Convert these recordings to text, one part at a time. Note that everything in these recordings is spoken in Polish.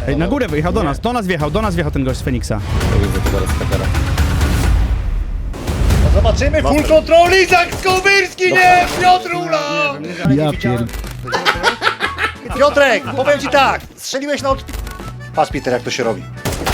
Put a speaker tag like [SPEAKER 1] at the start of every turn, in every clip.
[SPEAKER 1] Ej, na górę wyjechał do nas wjechał ten gość z Feniksa.
[SPEAKER 2] No zobaczymy, full control, Izak Skowyrski, nie! Piotr Ula!
[SPEAKER 1] Ja pier...
[SPEAKER 2] Piotrek, powiem ci tak, strzeliłeś na Patrz, Peter, jak to się robi.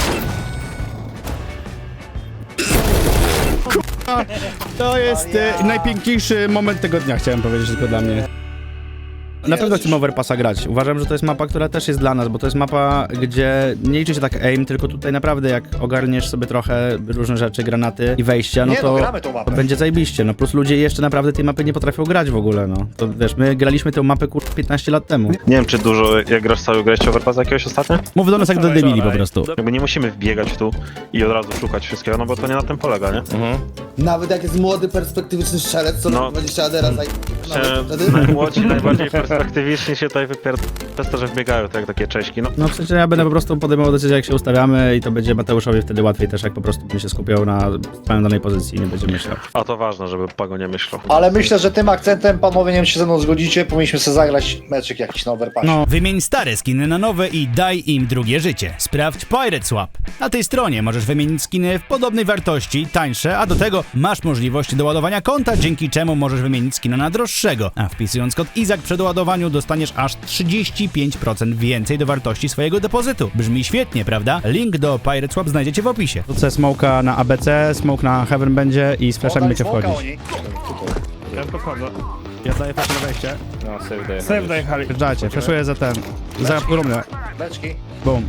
[SPEAKER 1] To jest najpiękniejszy moment tego dnia, chciałem powiedzieć tylko dla mnie. Na pewno chcemy Overpassa grać. Uważam, że to jest mapa, która też jest dla nas, bo to jest mapa, gdzie nie liczy się tak aim, tylko tutaj naprawdę jak ogarniesz sobie trochę różne rzeczy, granaty i wejścia, no
[SPEAKER 2] Nie, no,
[SPEAKER 1] to,
[SPEAKER 2] gramy tą mapę.
[SPEAKER 1] to będzie zajebiście. No plus ludzie jeszcze naprawdę tej mapy nie potrafią grać w ogóle, no. To wiesz, my graliśmy tę mapę 15 lat temu.
[SPEAKER 3] Nie wiem, czy dużo, jak grasz cały grałeś Overpass jakiegoś ostatnio?
[SPEAKER 1] Mów do nas jak do debili po prostu.
[SPEAKER 3] Jakby nie musimy wbiegać tu i od razu szukać wszystkiego, no bo to nie na tym polega, nie?
[SPEAKER 4] Nawet jak jest młody, perspektywiczny strzelec, co
[SPEAKER 3] No.
[SPEAKER 4] 20 adera wtedy?
[SPEAKER 3] Najmłodsi, najbardziej perspektywiczni się tutaj przez to, że wbiegają tak jak takie Cześki, no.
[SPEAKER 1] No w sensie ja będę po prostu podejmował decyzję, jak się ustawiamy i to będzie Mateuszowi wtedy łatwiej też, jak po prostu bym się skupiał na swoim danej pozycji i nie będzie myślał.
[SPEAKER 3] A to ważne, żeby Pago nie myślał.
[SPEAKER 2] Ale myślę, że tym akcentem, panowie, nie wiem, czy się ze mną zgodzicie, powinniśmy sobie zagrać meczyk jakiś na Overpassie.
[SPEAKER 1] No,
[SPEAKER 5] Wymień stare skiny na nowe i daj im drugie życie. Sprawdź Pirate Swap. Na tej stronie możesz wymienić skiny w podobnej wartości, tańsze, a do tego masz możliwość doładowania konta, dzięki czemu możesz wymienić skina na droższego. A wpisując kod IZAK przy doładowaniu dostaniesz aż 35% więcej do wartości swojego depozytu. Brzmi świetnie, prawda? Link do Pirate Swap znajdziecie w opisie.
[SPEAKER 1] Rzucę smoka na ABC, smoke na Heaven będzie i z flashami będzie wchodzić.
[SPEAKER 6] Ja podchodzę.
[SPEAKER 1] Ja daję flash na wejście.
[SPEAKER 6] Save dojechali.
[SPEAKER 1] Wjeżdżajcie, flashuję za ten, za rumę.
[SPEAKER 2] Beczki.
[SPEAKER 1] Boom.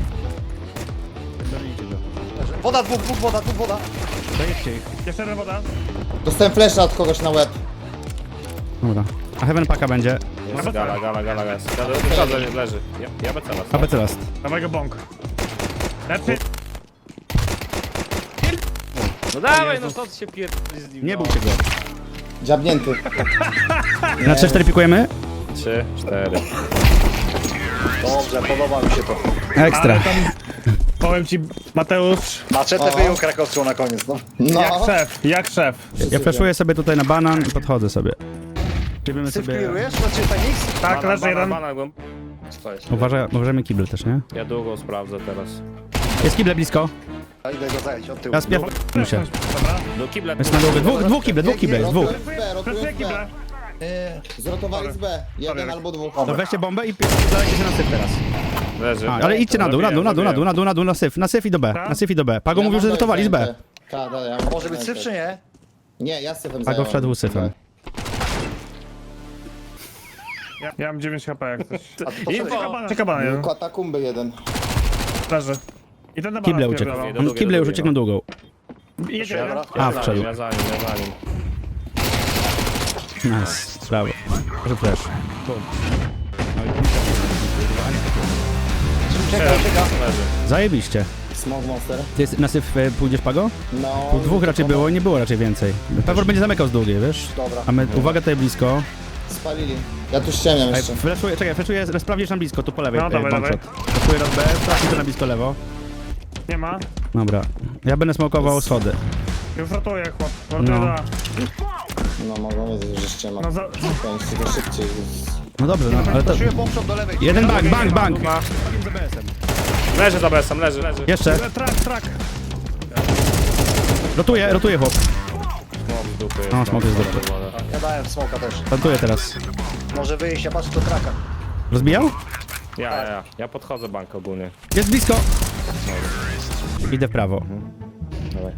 [SPEAKER 2] Woda, dwóch woda.
[SPEAKER 6] Jeszcze jedna woda.
[SPEAKER 4] Dostałem flasha od kogoś na łeb.
[SPEAKER 1] Dobra. A Heaven paka będzie.
[SPEAKER 6] Jest
[SPEAKER 7] Gala jest. Wchodzę, nie leży. Ja becę las.
[SPEAKER 1] ABC last.
[SPEAKER 6] Dawaj go bąk. Lepiej.
[SPEAKER 7] No dawaj, no co ty się pierdolisz z nim?
[SPEAKER 1] Nie bójcie go.
[SPEAKER 4] Dziabnięty.
[SPEAKER 1] Na 3-4 pikujemy?
[SPEAKER 7] 3, 4.
[SPEAKER 2] Dobrze, podoba mi się to.
[SPEAKER 1] Ekstra.
[SPEAKER 6] Powiem ci, Mateusz,
[SPEAKER 2] Maczetę wyjął krakowską na koniec, no.
[SPEAKER 4] No.
[SPEAKER 6] jak szef.
[SPEAKER 1] Ja flashuję sobie tutaj na banan i podchodzę sobie. Robimy
[SPEAKER 2] Syf
[SPEAKER 1] sobie...
[SPEAKER 2] clearujesz? Znaczy Fenix?
[SPEAKER 6] Tak, leży jeden.
[SPEAKER 1] Uważajmy kibel też, nie?
[SPEAKER 7] Ja długo sprawdzę teraz.
[SPEAKER 1] Jest kible blisko.
[SPEAKER 2] Ja idę go zająć od tyłu.
[SPEAKER 1] Ja spiew... się.
[SPEAKER 7] Do kibla.
[SPEAKER 1] Jest na długo. Dwóch kible jest, dwóch.
[SPEAKER 6] Pracuję kibla.
[SPEAKER 4] Zrotowali z B. Jeden albo dwóch.
[SPEAKER 1] To weźcie bombę i zadajcie się na syf teraz.
[SPEAKER 7] Leży.
[SPEAKER 1] Ale idźcie na dół, na syf i do B. Na syf i do B. Pago mówił, że zrotowali z B.
[SPEAKER 4] Tak, ja
[SPEAKER 2] Może być syf, czy nie?
[SPEAKER 4] Nie, ja z syfem
[SPEAKER 1] Pago
[SPEAKER 4] zająłem.
[SPEAKER 1] wszedł syfem.
[SPEAKER 6] Ja mam 9 HP jak coś.
[SPEAKER 2] A to
[SPEAKER 6] Ciekawa jeden.
[SPEAKER 4] Katakumby jeden.
[SPEAKER 6] Leży. I ten na
[SPEAKER 1] Kible
[SPEAKER 6] banan
[SPEAKER 1] uciekł.
[SPEAKER 6] spierdalał.
[SPEAKER 1] Kible już uciekną długą.
[SPEAKER 6] Jedzie.
[SPEAKER 2] Dobra.
[SPEAKER 1] A, wszedł.
[SPEAKER 7] Ja za nim.
[SPEAKER 1] Nice. Brawo. Proszę flash. Zajebiście.
[SPEAKER 4] Smoke monster.
[SPEAKER 1] Ty na syf pójdziesz, Pago?
[SPEAKER 4] No.
[SPEAKER 1] Tu dwóch raczej było i nie było raczej więcej. Pewor będzie zamykał z długiej, wiesz?
[SPEAKER 2] Dobra.
[SPEAKER 1] A my, uwaga tutaj blisko.
[SPEAKER 4] Spalili. Ja tu ściemniam
[SPEAKER 1] Ej,
[SPEAKER 4] jeszcze.
[SPEAKER 1] flashuję, sprawdzisz na blisko, tu po lewej.
[SPEAKER 6] No, dawaj,
[SPEAKER 1] bombshot. Flashuję raz B, sprawdź to na blisko lewo.
[SPEAKER 6] Nie ma.
[SPEAKER 1] Dobra. Ja będę smokował schody.
[SPEAKER 6] Już ratuję chłop.
[SPEAKER 1] No.
[SPEAKER 6] No.
[SPEAKER 4] No mogą wiedzieć, że ściema.
[SPEAKER 6] No za...
[SPEAKER 4] Kończcie to szybciej.
[SPEAKER 1] No dobrze, no ale to...
[SPEAKER 2] Czuję bombshot do lewej.
[SPEAKER 1] Jeden bank!
[SPEAKER 7] Leży za besem, leży.
[SPEAKER 1] Jeszcze.
[SPEAKER 6] Trak.
[SPEAKER 1] Rotuję chłop.
[SPEAKER 7] Smok z dupy jest.
[SPEAKER 1] No, smok jest z dupy.
[SPEAKER 2] Ja dałem smoka też.
[SPEAKER 1] Plantuję teraz.
[SPEAKER 2] Może wyjść, ja patrzę do traka.
[SPEAKER 1] Rozbijał?
[SPEAKER 7] Ja podchodzę bank ogólnie.
[SPEAKER 1] Jest blisko! Idę w prawo.
[SPEAKER 7] Dawaj.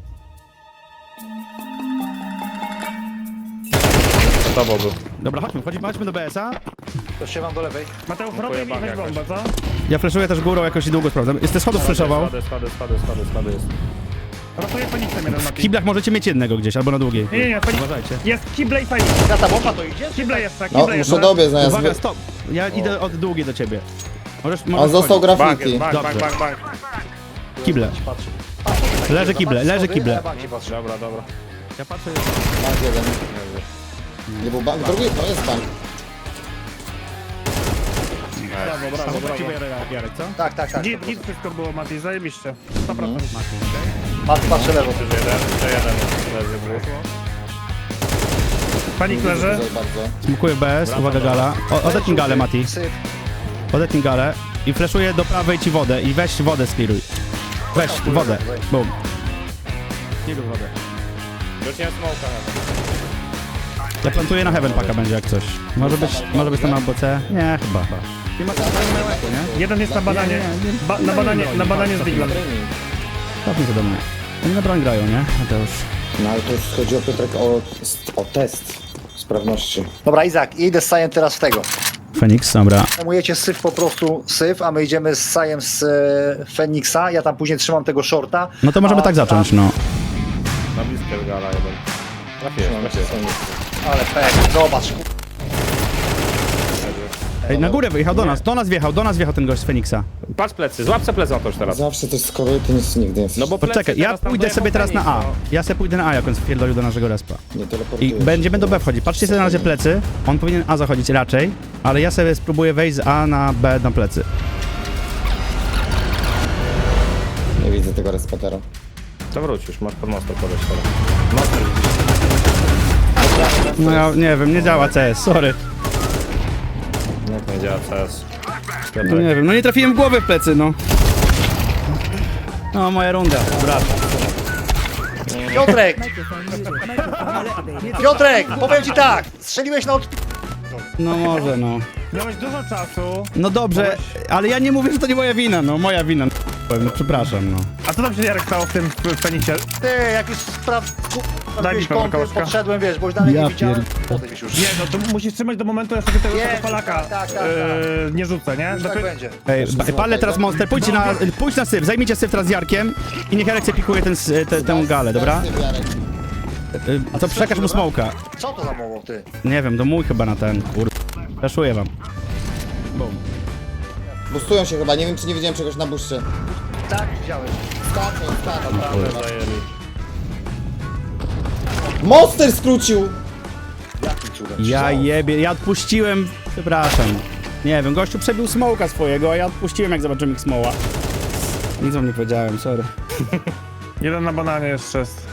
[SPEAKER 7] Z tobą był.
[SPEAKER 1] Dobra, chodźmy do BS-a.
[SPEAKER 2] To się mam do lewej.
[SPEAKER 6] Mateusz, rotuj mi weź bombę, co?
[SPEAKER 1] Ja flashuję też górą jakoś i długo sprawdzam. Jest te schodów flashował.
[SPEAKER 7] Schody jest.
[SPEAKER 6] Rotuję Feniksem jeden na
[SPEAKER 1] W kiblach możecie mieć jednego gdzieś, albo na długiej.
[SPEAKER 6] Nie, Feniks.
[SPEAKER 1] Uważajcie.
[SPEAKER 6] Jest kible i Feniks.
[SPEAKER 2] Ja ta bomba to idzie?
[SPEAKER 6] Kible jeszcze,
[SPEAKER 4] No,
[SPEAKER 6] kible jeszcze.
[SPEAKER 4] muszę dobiec zamiast
[SPEAKER 1] Uwaga,
[SPEAKER 4] wy...
[SPEAKER 1] stop! Ja idę od długiej do ciebie. Możesz
[SPEAKER 4] On został
[SPEAKER 1] wchodzić.
[SPEAKER 4] graffiti.
[SPEAKER 7] Bank.
[SPEAKER 1] Kible.
[SPEAKER 2] Patrzę.
[SPEAKER 1] Leży kible, leży kible.
[SPEAKER 2] Ja banki patrzę.
[SPEAKER 7] Dobra.
[SPEAKER 1] Ja patrzę...
[SPEAKER 4] Bank jeden. Nie był bank? Drugi? No jest bank.
[SPEAKER 6] Brawo.
[SPEAKER 1] Jarek, co?
[SPEAKER 2] Tak.
[SPEAKER 6] Git wszystko było, Mati, zajebiście. 100%.
[SPEAKER 2] Patrzę lewo.
[SPEAKER 7] Jeszcze jeden leży dwóch.
[SPEAKER 6] Panik leży.
[SPEAKER 4] Bardzo.
[SPEAKER 1] Smukuję BS, uwaga gala. Odetnij galę, Mati.
[SPEAKER 2] Syf.
[SPEAKER 1] Odetnij galę. I flashuję do prawej ci wodę i weź wodę spiruj. Weź wodę. Bum. Spiruj wodę.
[SPEAKER 7] Wróciłem smoka nawet.
[SPEAKER 1] Ja plantuję na heaven paka będzie jak coś. Może być tam albo C? Nie, chyba. Nie ma nie?
[SPEAKER 6] Jeden jest na bananie. Na bananie z Diglem.
[SPEAKER 1] Cofnij się do mnie. Oni na broń grają, nie? Mateusz.
[SPEAKER 4] No ale to już chodzi o Piotrek o test sprawności.
[SPEAKER 2] Dobra, Izak, idę z Sajem teraz w tego.
[SPEAKER 1] Feniks, dobra.
[SPEAKER 2] Zajmujecie syf po prostu syf, a my idziemy z Sajem z Feniksa. Ja tam później trzymam tego shorta.
[SPEAKER 1] No to możemy
[SPEAKER 2] A
[SPEAKER 1] tak zacząć, no.
[SPEAKER 7] Na bliskie gala jeden. Trafiłem.
[SPEAKER 2] Ale pek, zobacz.
[SPEAKER 1] Ej, na górę wyjechał, do nas wjechał ten gość z Feniksa.
[SPEAKER 7] Patrz plecy, złap se plecy już teraz.
[SPEAKER 4] Zawsze to skoruj, to nic nigdy nie jest.
[SPEAKER 7] No bo plecy
[SPEAKER 1] Poczekaj, ja
[SPEAKER 7] teraz tam
[SPEAKER 1] pójdę sobie teraz na A.
[SPEAKER 7] dojechał
[SPEAKER 1] Ja sobie pójdę na A, jak on wpierdolił do naszego respa.
[SPEAKER 4] Nie
[SPEAKER 1] I
[SPEAKER 4] teleportujesz.
[SPEAKER 1] będziemy do B wchodzić. Patrzcie sobie na razie plecy. On powinien A zachodzić raczej, ale ja sobie spróbuję wejść z A na B na plecy.
[SPEAKER 4] Nie widzę tego respatera.
[SPEAKER 7] To wróć już, masz pod mostem podejść teraz.
[SPEAKER 1] No ja nie wiem, nie działa CS, sorry.
[SPEAKER 7] Jak nie działa CS?
[SPEAKER 1] No nie wiem, no nie trafiłem w głowę w plecy, no. No, moja runda, brat.
[SPEAKER 2] Piotrek! Piotrek, powiem ci tak, strzeliłeś na
[SPEAKER 1] No może, no.
[SPEAKER 6] Miałeś dużo czasu.
[SPEAKER 1] No dobrze, ale ja nie mówię, że to nie moja wina, no moja wina. No przepraszam, no.
[SPEAKER 6] A co tam się Jarek stało w tym Feniksie?
[SPEAKER 2] Ty, jak już
[SPEAKER 6] Daj mi
[SPEAKER 2] sprawdziłeś
[SPEAKER 6] pewno
[SPEAKER 2] kąty,
[SPEAKER 6] kołaszka.
[SPEAKER 2] podszedłem, wiesz, bo już dalej
[SPEAKER 1] Ja
[SPEAKER 2] nie widziałem. Podejdź już.
[SPEAKER 6] Nie, no to musisz trzymać do momentu, aż sobie tego
[SPEAKER 2] Nie,
[SPEAKER 6] Polaka
[SPEAKER 2] tak.
[SPEAKER 6] nie rzucę, nie?
[SPEAKER 2] Już tak będzie.
[SPEAKER 1] Ej, palę teraz monster, pójdź na syf, zajmijcie syf teraz z Jarkiem i niech Jarek sobie pikuje tę galę, dobra? A to przekaż mu smoka.
[SPEAKER 2] Co to za mowo, ty?
[SPEAKER 1] Nie wiem, to mój chyba na ten, Flaszuję wam. Bum.
[SPEAKER 4] Bustują się chyba, nie wiem czy nie widziałem czegoś na buszcie.
[SPEAKER 2] Tak, widziałeś.
[SPEAKER 7] Zajęli.
[SPEAKER 4] Monster skrócił!
[SPEAKER 2] Jakim cudem?
[SPEAKER 1] Ja jebie, ja odpuściłem, przepraszam. Nie wiem, gościu przebił smoka swojego, a ja odpuściłem jak zobaczyłem ich smoła. Nic wam nie powiedziałem, sorry.
[SPEAKER 6] Jeden na bananie jeszcze jest.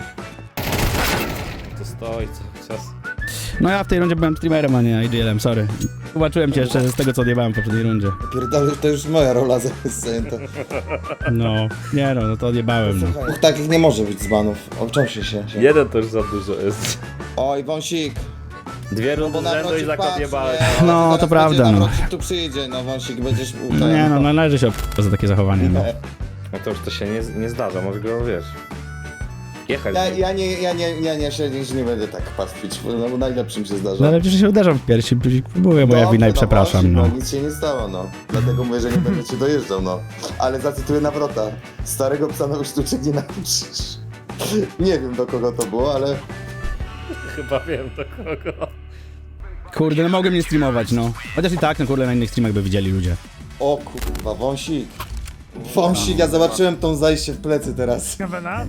[SPEAKER 7] To stoi cały czas.
[SPEAKER 1] No ja w tej rundzie byłem streamerem, a nie IGL-em, sorry. Zobaczyłem cię jeszcze z tego, co odjebałem w poprzedniej rundzie.
[SPEAKER 4] Pierdolę, to już moja rola zajęta.
[SPEAKER 1] No, nie no to odjebałem, no.
[SPEAKER 4] Dwóch takich nie może być z banów. Obcząsi się.
[SPEAKER 7] Jeden to już za dużo jest.
[SPEAKER 4] Oj, wąsik.
[SPEAKER 7] Dwie
[SPEAKER 4] Bo
[SPEAKER 7] rundy z
[SPEAKER 4] na
[SPEAKER 7] rzędu i
[SPEAKER 4] wrocik patrz,
[SPEAKER 7] zakopjebałeś.
[SPEAKER 4] nie?
[SPEAKER 1] No,
[SPEAKER 4] Zaraz
[SPEAKER 1] to prawda,
[SPEAKER 4] będzie,
[SPEAKER 1] no.
[SPEAKER 4] na wrocik tu przyjdzie, no wąsik, będziesz
[SPEAKER 1] No nie no, należy się za takie zachowanie, no.
[SPEAKER 7] No to już to się nie zdarza, może go wiesz. Jechać.
[SPEAKER 4] Ja nie się nie będę tak pastwić, bo najlepszym się zdarza.
[SPEAKER 1] No ale przecież się uderzam w piersi, próbuję, moja
[SPEAKER 4] Dobrze,
[SPEAKER 1] wina i
[SPEAKER 4] no
[SPEAKER 1] przepraszam,
[SPEAKER 4] właśnie,
[SPEAKER 1] no.
[SPEAKER 4] Nic się nie stało, no. Dlatego mówię, że nie będę cię dojeżdżał, no. Ale zacytuję Nawrota. Starego psa na sztuczek nie nauczysz. Nie wiem do kogo to było, ale...
[SPEAKER 7] Chyba wiem do kogo.
[SPEAKER 1] Kurde, no mogłem nie streamować, no. Chociaż i tak, no kurde, na innych streamach by widzieli ludzie.
[SPEAKER 4] O kurwa, wąsik. Wąsik, ja zobaczyłem tą zajście w plecy teraz.
[SPEAKER 6] Kawena?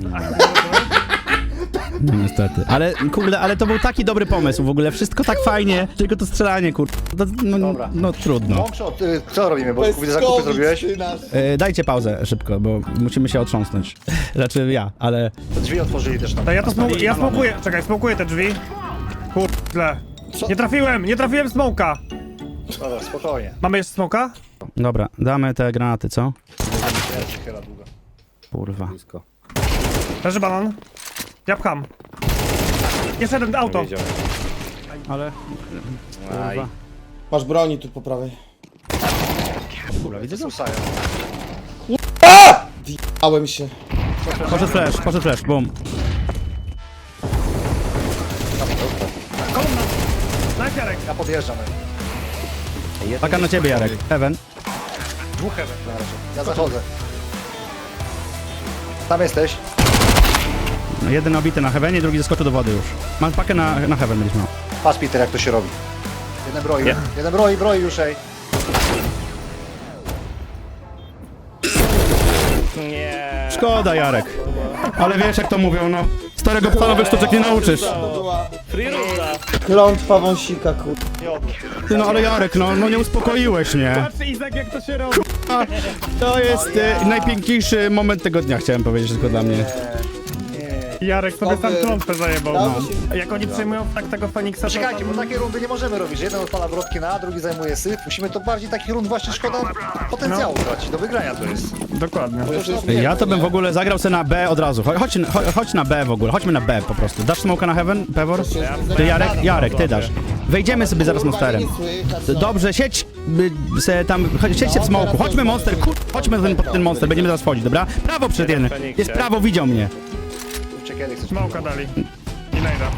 [SPEAKER 1] No niestety. Ale kurde, ale to był taki dobry pomysł w ogóle, wszystko tak fajnie, tylko to strzelanie, kurde. No,
[SPEAKER 2] Dobra.
[SPEAKER 1] no trudno.
[SPEAKER 2] Mąkshot, co robimy? Bo widzę, zakupy zrobiłeś?
[SPEAKER 4] ty nasz.
[SPEAKER 1] Dajcie pauzę szybko, bo musimy się otrząsnąć. Znaczy ja, ale...
[SPEAKER 2] Drzwi otworzyli też tam.
[SPEAKER 6] To ja smokuję, czekaj, smokuję te drzwi. Kurde. Nie trafiłem smoka.
[SPEAKER 2] Dobra, spokojnie.
[SPEAKER 6] Mamy jeszcze smoka?
[SPEAKER 1] Dobra, damy te granaty, co?
[SPEAKER 2] Chyba długo.
[SPEAKER 1] Kurwa.
[SPEAKER 7] Blisko.
[SPEAKER 6] Leży banan. Ja pcham. Jeszcze jeden auto.
[SPEAKER 7] Wiedziałem.
[SPEAKER 1] Ale...
[SPEAKER 7] Aj.
[SPEAKER 1] Kurwa.
[SPEAKER 4] Masz broni tu po prawej.
[SPEAKER 1] Kurwa, widzę go?
[SPEAKER 2] Słusają.
[SPEAKER 4] Ałem się.
[SPEAKER 1] Poszedł flash, boom.
[SPEAKER 6] Kolumna. Daj Jarek.
[SPEAKER 2] Ja podjeżdżam.
[SPEAKER 1] Taka na ciebie, Jarek. Heaven.
[SPEAKER 2] Dwóch heaven na razie. Ja zachodzę. Tam jesteś.
[SPEAKER 1] No, jeden obity na heavenie, drugi zeskoczył do wody już. Mam pakę na heaven będziesz miał.
[SPEAKER 2] Patrz Peter, jak to się robi. Jeden broi. Jeden broi już, ej.
[SPEAKER 7] Nie.
[SPEAKER 1] Szkoda, Jarek. Ale wiesz jak to mówią, no. Starego psa nowych sztuczek nie nauczysz.
[SPEAKER 4] To była
[SPEAKER 7] Free runda.
[SPEAKER 4] klątwa wąsika, kur...
[SPEAKER 1] Ty no ale Jarek, no nie uspokoiłeś mnie.
[SPEAKER 6] Patrz Izak jak to się robi.
[SPEAKER 1] To jest najpiękniejszy moment tego dnia, chciałem powiedzieć tylko dla mnie.
[SPEAKER 2] Nie.
[SPEAKER 6] Jarek sobie tam
[SPEAKER 4] Dobry.
[SPEAKER 6] klątwę zajebał.
[SPEAKER 4] Dało
[SPEAKER 6] No. Jak oni przyjmują tak tego Feniksa, to
[SPEAKER 2] Czekajcie, bo
[SPEAKER 6] tam...
[SPEAKER 2] takie rundy nie możemy robić, że jeden odpala wrotki na A, drugi zajmuje syf. Musimy to bardziej takich rund właśnie szkoda potencjału tracić, do wygrania to jest.
[SPEAKER 6] Dokładnie.
[SPEAKER 1] Ja to bym w ogóle zagrał sobie na B od razu. Chodź na B w ogóle, chodźmy na B po prostu. Dasz smoka na heaven, Pewor? Ty Jarek, ty dasz. Wejdziemy sobie zaraz monsterem. Dobrze, siedź se tam, siedźcie w smoku, chodźmy monster, chodźmy pod ten monster, będziemy zaraz wchodzić, dobra? Prawo przed jeden, jest prawo, widział mnie.
[SPEAKER 2] Kiedy chcesz?
[SPEAKER 6] Smoka dali. I najda.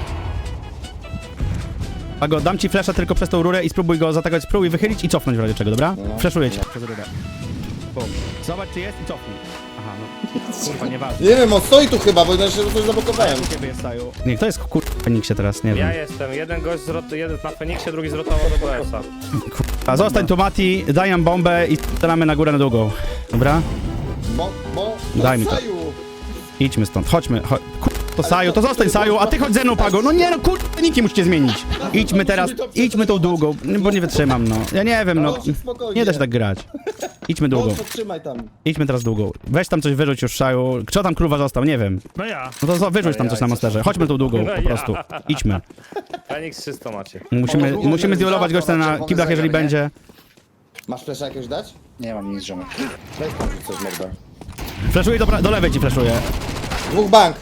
[SPEAKER 1] Pago, dam ci flasha tylko przez tą rurę i spróbuj go zaatakować, spróbuj wychylić i cofnąć w razie czego, dobra? Flashuję cię przez rurę. Bum. Zobacz czy jest i cofnij. Aha, no. Kurwa, nieważne.
[SPEAKER 4] Nie wiem, on stoi tu chyba, bo inaczej coś zablokowałem.
[SPEAKER 1] Ciebie jest staju. Nie, kto jest kurwa w Feniksie teraz, nie wiem.
[SPEAKER 7] Ja jestem, jeden gość jeden na Feniksie, drugi zrotował do BS-a.
[SPEAKER 1] A zostań tu Mati, daj nam bombę i strzelamy na górę na długą. Dobra?
[SPEAKER 4] Bo...
[SPEAKER 1] Daj mi to.
[SPEAKER 4] Saju.
[SPEAKER 1] Idźmy stąd, chodźmy. To Saju, to zostań Saju, a ty chodź ze mną Pago. No nie no kurwa, niki musicie zmienić. Idźmy teraz, idźmy tą długą, bo nie wytrzymam no. Ja nie wiem no, nie da się tak grać. Idźmy długą,
[SPEAKER 4] Trzymaj tam.
[SPEAKER 1] idźmy teraz długą. Weź tam coś wyrzuć już Saju. Kto tam krówa został, nie wiem.
[SPEAKER 6] No ja.
[SPEAKER 1] No to wyrzuć tam coś na monsterze, chodźmy tą długą po prostu. Idźmy.
[SPEAKER 7] Feniks 300 macie.
[SPEAKER 1] Musimy zduelować gościa na kiblach jeżeli będzie.
[SPEAKER 4] Masz flesza jakiegoś dać?
[SPEAKER 2] Nie mam nic, ziomek.
[SPEAKER 4] Weź tam coś morda.
[SPEAKER 1] Flashuję do lewej ci flashuję.
[SPEAKER 4] Dwóch bank.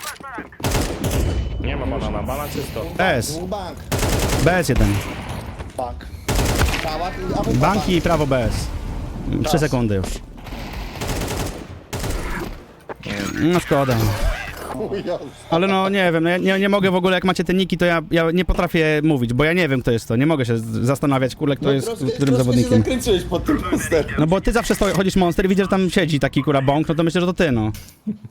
[SPEAKER 7] Nie ma banana, banan czysto.
[SPEAKER 1] BS,
[SPEAKER 4] Dwóch bank.
[SPEAKER 1] BS jeden.
[SPEAKER 2] Bank.
[SPEAKER 4] Pałac i albo
[SPEAKER 1] Banki i prawo BS. 3 sekundy już. No szkoda. Ale no nie wiem, no ja nie mogę w ogóle, jak macie te niki, to ja nie potrafię mówić, bo ja nie wiem kto jest to. Nie mogę się zastanawiać, kurde, kto jest którym zawodnikiem.
[SPEAKER 4] się zakręciłeś pod tym monsterem.
[SPEAKER 1] No bo ty zawsze chodzisz monster i widzisz, że tam siedzi taki kura bąk, no to myślę, że to ty, no.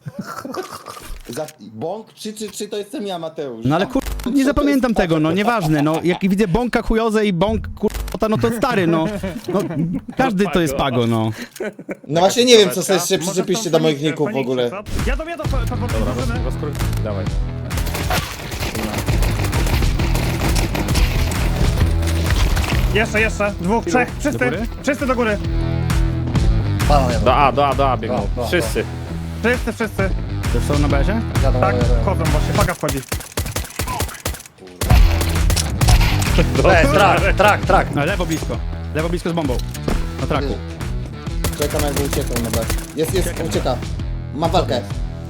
[SPEAKER 4] Bąk czy to jestem ja, Mateusz?
[SPEAKER 1] No ale kur... nie zapamiętam tego, no nieważne, no jak widzę bąka chujozę i bąk kurwa, no to stary, no. Każdy to jest Pago, no.
[SPEAKER 4] No właśnie nie wiem, co sobie jeszcze
[SPEAKER 6] Może
[SPEAKER 4] przyczepiście
[SPEAKER 6] są
[SPEAKER 4] do moich
[SPEAKER 6] Feniksie,
[SPEAKER 4] ników w ogóle.
[SPEAKER 6] co? Jadą, drużyny.
[SPEAKER 7] Dawaj.
[SPEAKER 6] Jeszcze. Dwóch, trzech. Wszyscy.
[SPEAKER 1] góry?
[SPEAKER 6] Wszyscy do góry.
[SPEAKER 2] Banan jadą.
[SPEAKER 7] Do A biegną.
[SPEAKER 2] Do A.
[SPEAKER 7] Wszyscy.
[SPEAKER 6] Wszyscy.
[SPEAKER 1] To już są na bezie?
[SPEAKER 2] Jadą,
[SPEAKER 6] Tak,
[SPEAKER 2] jadą.
[SPEAKER 6] chodzą właśnie. Paga wchodzi.
[SPEAKER 2] Trak.
[SPEAKER 1] No, lewo blisko z bombą. Na traku.
[SPEAKER 4] Czekam jakby uciekał na B. Jest, ucieka. Ma walkę.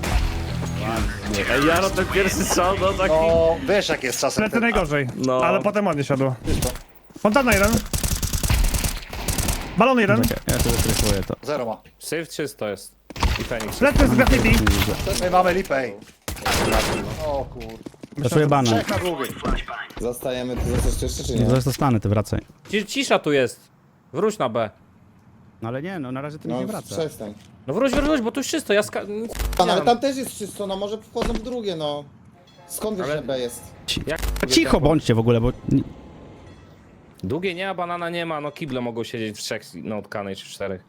[SPEAKER 7] Ej, Jaro, ten pierwszy strzał, no taki...
[SPEAKER 2] No, wiesz jak jest czasem.
[SPEAKER 6] Plecy najgorzej.
[SPEAKER 7] No.
[SPEAKER 6] Ale potem ładnie siadło. Fontana jeden. Balon jeden.
[SPEAKER 1] Czekaj, ja sobie stressuję to.
[SPEAKER 2] Zero ma.
[SPEAKER 7] Syf 300 jest. I Feniks.
[SPEAKER 6] Plecy z graffiti.
[SPEAKER 2] My mamy lipę, ej. O kur...
[SPEAKER 1] Flashuję banan.
[SPEAKER 2] Trzech na długiej.
[SPEAKER 4] Zostajemy tu zostać jeszcze czy nie?
[SPEAKER 1] Zaraz dostanę, ty wracaj.
[SPEAKER 7] Cisza tu jest. Wróć na B.
[SPEAKER 1] No ale nie, no na razie ty mi
[SPEAKER 4] No
[SPEAKER 1] nie wraca.
[SPEAKER 4] przestań.
[SPEAKER 7] No wróć, bo tu już czysto, ja
[SPEAKER 4] No, ale tam też jest czysto, no może wchodzą w drugie, no. Skąd wiesz, że B jest?
[SPEAKER 1] Cicho bądźcie w ogóle, bo...
[SPEAKER 7] Długie nie, a banana nie ma, no kible mogą siedzieć w trzech na utkanej czy w czterech.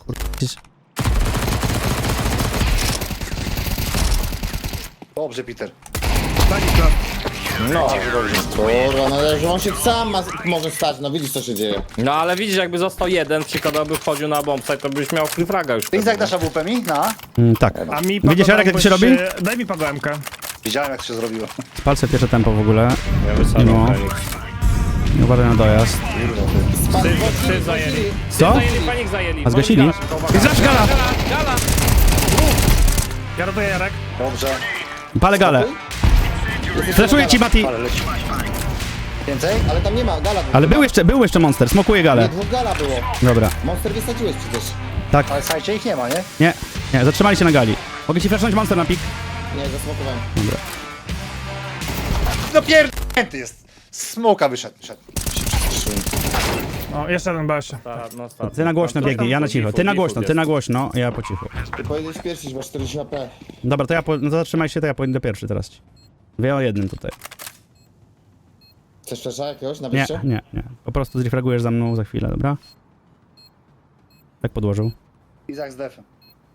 [SPEAKER 2] Dobrze, Peter.
[SPEAKER 7] No.
[SPEAKER 4] Kurwa, no że on się sam może stać, no widzisz co się dzieje.
[SPEAKER 7] No ale widzisz, jakby został jeden, przykładowo by wchodził na bombsite, to byś miał free już.
[SPEAKER 2] Ty jak dasz AWP mi? Na?
[SPEAKER 1] Tak.
[SPEAKER 6] A mi
[SPEAKER 1] Widzisz, Jarek, jak to się robi?
[SPEAKER 6] Daj mi Pagoemkę.
[SPEAKER 2] Widziałem jak to się zrobiło.
[SPEAKER 1] Palce pierwsze tempo w ogóle.
[SPEAKER 7] Ja wysadzam
[SPEAKER 1] No.
[SPEAKER 7] Feniks.
[SPEAKER 1] Uważaj na dojazd.
[SPEAKER 7] Syf zajęli.
[SPEAKER 1] Co?
[SPEAKER 7] Zajęli, Feniks zajęli.
[SPEAKER 1] A zgasili? Zresztą gala!
[SPEAKER 7] Gala!
[SPEAKER 6] Ja rotuję Jarek.
[SPEAKER 2] Dobrze.
[SPEAKER 1] Palę galę. Flashuję ci, Mati.
[SPEAKER 2] Ale leci. Więcej?
[SPEAKER 4] Ale tam nie ma, gala była.
[SPEAKER 1] Ale był jeszcze monster, smokuję
[SPEAKER 4] Nie,
[SPEAKER 1] galę.
[SPEAKER 4] dwóch gala było.
[SPEAKER 1] Dobra.
[SPEAKER 4] Monster wysadziłeś przecież.
[SPEAKER 1] Tak.
[SPEAKER 2] Ale słuchajcie, ich nie ma, nie?
[SPEAKER 1] Nie, zatrzymali się na gali. Mogę ci flashnąć monster na pik?
[SPEAKER 4] Nie, zasmokowałem.
[SPEAKER 1] Dobra.
[SPEAKER 2] No pierdolnięty jest. Smoka wyszedł.
[SPEAKER 6] O, jeszcze jeden BS.
[SPEAKER 7] No, start.
[SPEAKER 1] Ty na głośno biegnij, ja na cicho. Ty na głośno, ja po cichu.
[SPEAKER 4] Ty pojedziesz pierwszy, masz 40 AP.
[SPEAKER 1] Dobra, to no to zatrzymaj się, to ja pójdę pierwszy teraz. Wie o jednym tutaj.
[SPEAKER 4] Chcesz flesza jakiegoś na
[SPEAKER 1] Nie,
[SPEAKER 4] wyjście?
[SPEAKER 1] nie. Po prostu zrefragujesz za mną za chwilę, dobra? Tak podłożył.
[SPEAKER 2] Izak z defem.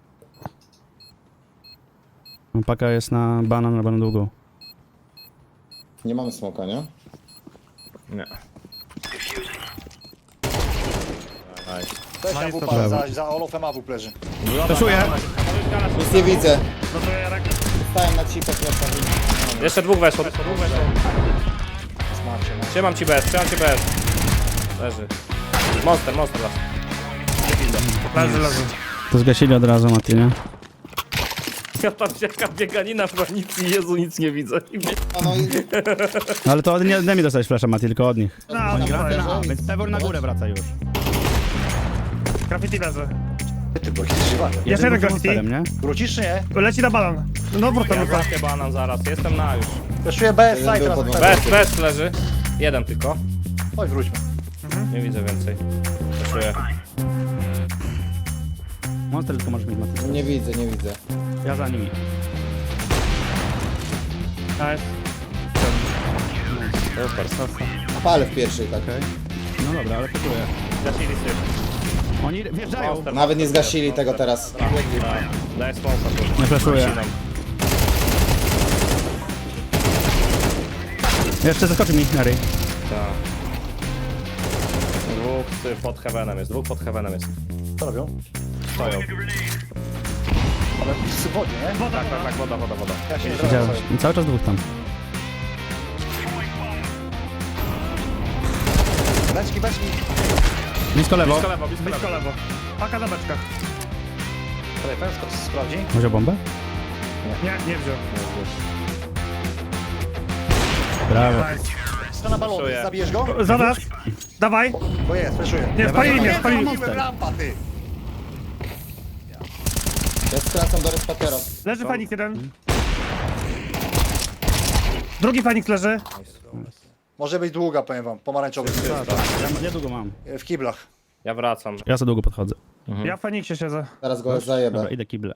[SPEAKER 1] No, paka jest na banan długą.
[SPEAKER 4] Nie mamy smoka, nie?
[SPEAKER 7] Nie.
[SPEAKER 2] Weź
[SPEAKER 6] jest to
[SPEAKER 2] AWP, za Olofem AWP leży.
[SPEAKER 1] Flashuję.
[SPEAKER 4] Nic nie widzę.
[SPEAKER 6] Rotuję Jarek.
[SPEAKER 8] Dostałem na cipę flasha.
[SPEAKER 7] Jeszcze dwóch weszło.
[SPEAKER 2] Smacznie, no.
[SPEAKER 7] Trzymam ci bez. Leży. Monster las.
[SPEAKER 6] Leży.
[SPEAKER 1] To zgasili od razu, Mati, nie?
[SPEAKER 7] Ja tam jaka bieganina w granicy, Jezu, nic nie widzę.
[SPEAKER 8] No i
[SPEAKER 1] No ale to od nie mi dostałeś flasha, Mati, tylko od nich.
[SPEAKER 6] No,
[SPEAKER 1] Więc Pewor na górę wraca już.
[SPEAKER 6] graffiti leży.
[SPEAKER 2] Ty byłeś żywany.
[SPEAKER 6] Jeszcze jeden
[SPEAKER 1] Monsterem,
[SPEAKER 6] graffiti.
[SPEAKER 1] nie?
[SPEAKER 2] Wrócisz czy nie?
[SPEAKER 6] Leci na balon. No wrócę.
[SPEAKER 7] Ja banan zaraz, jestem na już.
[SPEAKER 2] Wyszuję BS side
[SPEAKER 8] był
[SPEAKER 2] teraz.
[SPEAKER 8] pod
[SPEAKER 7] Bez leży. Jeden tylko.
[SPEAKER 2] Chodź, wróćmy.
[SPEAKER 7] Nie widzę więcej. Czuję.
[SPEAKER 1] Monster tylko możesz mieć, Mati.
[SPEAKER 8] nie widzę.
[SPEAKER 1] Ja za nimi.
[SPEAKER 6] Nice.
[SPEAKER 8] Palę w pierwszej, tak.
[SPEAKER 1] No dobra, ale pikuję.
[SPEAKER 7] Zasili syf.
[SPEAKER 1] Oni wjeżdżają.
[SPEAKER 8] Nawet nie zgasili tego teraz.
[SPEAKER 7] Daj smoka tu.
[SPEAKER 1] Nie flashuję. Jeszcze zaskoczy mi, Harry.
[SPEAKER 7] Tak. Dwóch pod heavenem jest,
[SPEAKER 2] Co robią?
[SPEAKER 7] Stoją.
[SPEAKER 2] Ale w wodzie, nie?
[SPEAKER 7] Tak, woda.
[SPEAKER 2] Ja się nie
[SPEAKER 1] Widziałem.
[SPEAKER 2] zrobię.
[SPEAKER 1] I cały czas dwóch tam.
[SPEAKER 2] Beczki.
[SPEAKER 1] Blisko lewo.
[SPEAKER 6] Blisko lewo. Paka na beczkach.
[SPEAKER 2] Tutaj pęsko sprawdzi.
[SPEAKER 1] Wziął bombę?
[SPEAKER 6] Nie wziął.
[SPEAKER 1] Brawo.
[SPEAKER 6] Nice.
[SPEAKER 2] To na balony,
[SPEAKER 7] Czuję.
[SPEAKER 2] zabijesz go?
[SPEAKER 6] Za nas. Dawaj.
[SPEAKER 2] Bo jest, fleszuję.
[SPEAKER 6] Nie, spalili mnie.
[SPEAKER 2] Mówiłem rampa, ty!
[SPEAKER 8] Ja skracam do respakera.
[SPEAKER 6] Leży Fenix jeden. Drugi Fenix leży.
[SPEAKER 2] Może być długa, powiem wam, pomarańczowy.
[SPEAKER 1] Ja niedługo mam.
[SPEAKER 2] W kiblach.
[SPEAKER 7] Ja wracam.
[SPEAKER 1] Ja za długo podchodzę.
[SPEAKER 6] Ja w Feniksie siedzę.
[SPEAKER 8] Zaraz go zajebę.
[SPEAKER 1] Dobra, idę kible.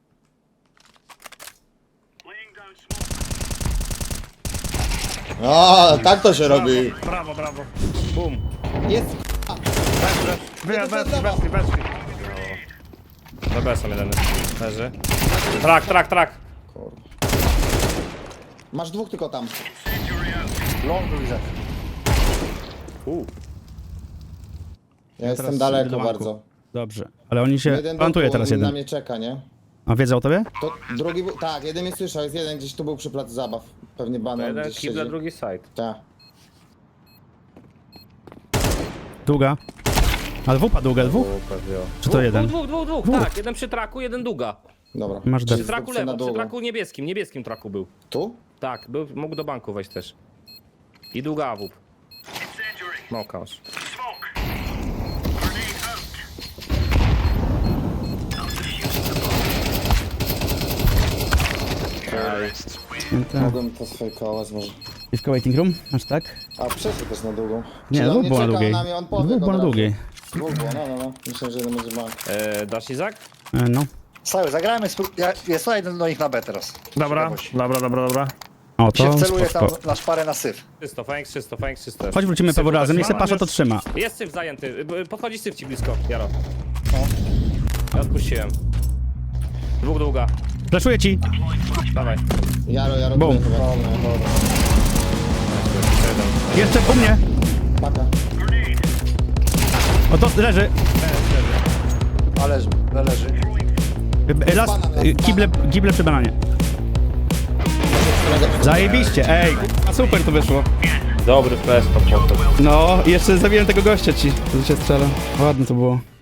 [SPEAKER 8] O, tak to się robi.
[SPEAKER 6] Brawo.
[SPEAKER 7] Bum.
[SPEAKER 8] Jest.
[SPEAKER 6] Weszli.
[SPEAKER 7] Za besem jeden leży. Trak.
[SPEAKER 8] Masz dwóch tylko tam.
[SPEAKER 2] Long widzę.
[SPEAKER 8] Ja jestem
[SPEAKER 1] teraz
[SPEAKER 8] daleko
[SPEAKER 1] idę do banku.
[SPEAKER 8] bardzo.
[SPEAKER 1] Dobrze. Ale oni się...
[SPEAKER 8] Jeden
[SPEAKER 1] Plantuje
[SPEAKER 8] był tu,
[SPEAKER 1] teraz
[SPEAKER 8] on na
[SPEAKER 1] jeden.
[SPEAKER 8] mnie czeka, nie?
[SPEAKER 1] A wiedzą o tobie?
[SPEAKER 8] To drugi był, tak, jeden mnie słyszał, jest jeden gdzieś tu był przy placu zabaw. Pewnie banan
[SPEAKER 7] Jeden
[SPEAKER 8] gdzieś
[SPEAKER 7] kible,
[SPEAKER 8] siedzi.
[SPEAKER 7] drugi side.
[SPEAKER 8] Tak.
[SPEAKER 1] Długa. Ale wupa długa, dwóch? Czy to jeden?
[SPEAKER 7] Dwóch. Tak, jeden przy traku, jeden długa.
[SPEAKER 8] Dobra.
[SPEAKER 1] Masz
[SPEAKER 7] Przy
[SPEAKER 1] def.
[SPEAKER 7] traku
[SPEAKER 8] Zdobcy na
[SPEAKER 7] lewo, przy
[SPEAKER 8] długo.
[SPEAKER 7] traku niebieskim traku był.
[SPEAKER 8] Tu?
[SPEAKER 7] Tak, mógł do banku wejść też. I długa awup. No kaos.
[SPEAKER 8] Mogłem to sfejkować może.
[SPEAKER 1] Piwko waiting room? Masz tak?
[SPEAKER 8] A przeszedł też na długą.
[SPEAKER 1] Nie,
[SPEAKER 8] Czy on
[SPEAKER 1] dwóch było na
[SPEAKER 8] czekał
[SPEAKER 1] długiej.
[SPEAKER 8] na mnie, on pobiegł
[SPEAKER 1] Dwóch było na
[SPEAKER 8] od razu.
[SPEAKER 1] długiej.
[SPEAKER 8] Dwóch było, no. Myślę, że jeden będzie bank.
[SPEAKER 7] Dasz Izak?
[SPEAKER 1] No.
[SPEAKER 2] Stały, zagrajmy, jest jeden do nich na B teraz.
[SPEAKER 6] Dobra.
[SPEAKER 1] O,
[SPEAKER 2] Się
[SPEAKER 1] to
[SPEAKER 2] wceluje tam
[SPEAKER 1] spoko.
[SPEAKER 2] na szparę na syf.
[SPEAKER 7] Czysto.
[SPEAKER 1] Chodź wrócimy Pewor razem, niech se Pasza to trzyma.
[SPEAKER 7] Jest syf zajęty. Podchodzi syf ci blisko, Jaro. Ja odpuściłem. Dwóch długa.
[SPEAKER 1] Flaszuję ci.
[SPEAKER 7] Dawaj.
[SPEAKER 8] Jaro,
[SPEAKER 1] Bum.
[SPEAKER 8] tu chyba. No, dobra.
[SPEAKER 1] Jeszcze u mnie.
[SPEAKER 8] Paka.
[SPEAKER 1] O, to leży.
[SPEAKER 2] Ale leży.
[SPEAKER 1] Las, kible przy bananie. Zajebiście, ej. A super to wyszło.
[SPEAKER 7] Dobry flash to potem.
[SPEAKER 1] No, i jeszcze zabiłem tego gościa ci, co się strzela. Ładne to było.